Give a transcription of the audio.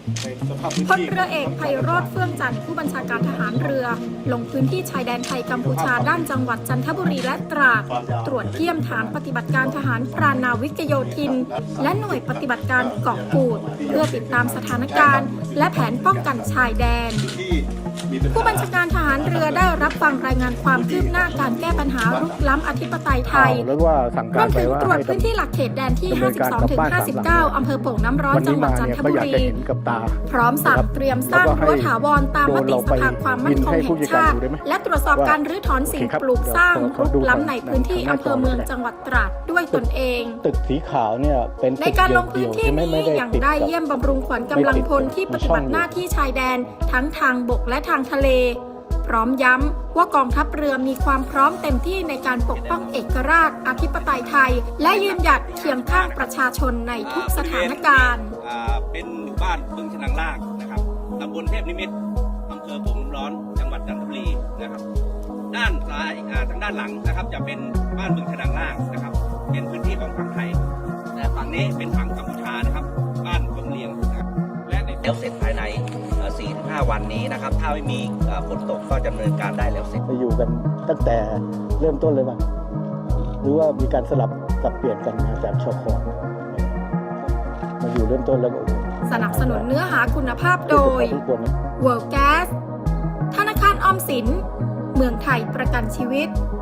พลเรือเอกไพโรจน์ เฟื่องจันทร์ผู้บัญชาการทหารเรือลงพื้นที่ชายแดนไทยกัมพูชาด้านจังหวัดจันทบุรีและตราดตรวจเยี่ยมฐานปฏิบัติการทหารพรานนาวิกโยธินและหน่วยปฏิบัติการเกาะกูดเพื่อติดตามสถานการณ์และแผนป้องกันชายแดนผู้บัญชาการทหารเรือได้รับฟังรายงานความคืบหน้าการแก้ปัญหารุกล้ำอธิปไตยไทยรวมถึงตรวจพื้นที่หลักเขตแดนที่ 52-59 อำเภอโป่งน้ำร้อนจังหวัดจันทบุรีพร้อมสั่งเตรียมสร้างรั้วถาวรตามมติสภาความมั่นคงแห่งชาติและตรวจสอบการรื้อถอนสิ่งปลูกสร้างรุกล้ำในพื้นที่อำเภอเมืองจังหวัดตราดด้วยตนเองตึกสีขาวเนี่ยเป็นในการลงพื้นที่นี้ยังได้เยี่ยมบำรุงขวัญกำลังพลที่ปฏิบัติหน้าที่ชายแดนทั้งทางบกและทางทะเลพร้อมย้ำว่ากองทัพเรือมีความพร้อมเต็มที่ในการปกป้องเอกราชอธิปไตยไทยและยืนหยัดเคียงข้างประชาชนในทุกสถานการณ์เป็นหมู่บ้านบึงฉนังล่างนะครับตำบลเทพนิมิตรอำเภอโป่งน้ำร้อนจังหวัดจันทบุรีนะครับด้านซ้ายทางด้านหลังนะครับจะเป็นบ้านบึงฉนังล่างนะครับเป็นพื้นที่ของฝั่งไทยแต่ฝั่งนี้เป็นฝั่งกัมพูชานะครับบ้านกงเลียงนะครับและแล้วเสร็จภายใน 4-5 วันนี้นะครับถ้าไม่มีฝนตกก็จะดำเนินการได้แล้วเสร็จไปอยู่กันตั้งแต่เริ่มต้นเลยมั้ยหรือว่ามีการสลับสับเปลี่ยนกันมาจากชค.มาอยู่เริ่มต้นแล้วสนับสนุนเนื้อหาคุณภาพโดย World Gas ธนาคารออมสินเมืองไทยประกันชีวิต